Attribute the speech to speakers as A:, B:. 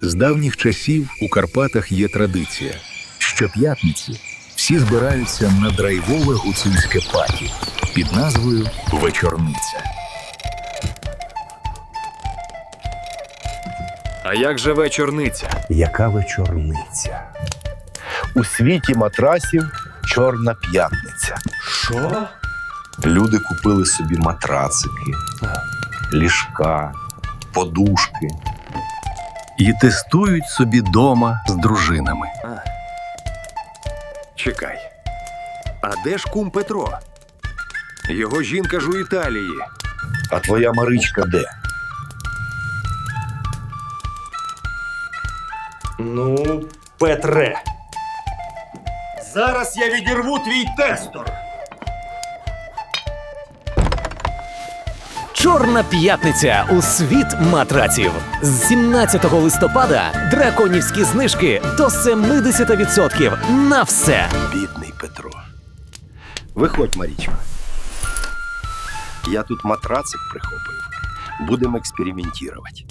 A: З давніх часів у Карпатах є традиція. Щоп'ятниці всі збираються на драйвове гуцульське паті під назвою «Вечорниця».
B: А як же вечорниця?
C: Яка вечорниця? У світі матрасів Чорна п'ятниця.
B: Що?
C: Люди купили собі матрацики, ліжка, подушки.
A: І тестують собі дома з дружинами.
B: Чекай. А де ж кум Петро? Його жінка ж у Італії.
C: А твоя Маричка де?
D: Ну, Петре, зараз я відірву твій тестор.
E: Чорна п'ятниця у світ матраців. З 17 листопада драконівські знижки до 70% на все.
C: Бідний Петро. Виходь, Марічка. Я тут матрацик прихопив. Будемо експериментувати.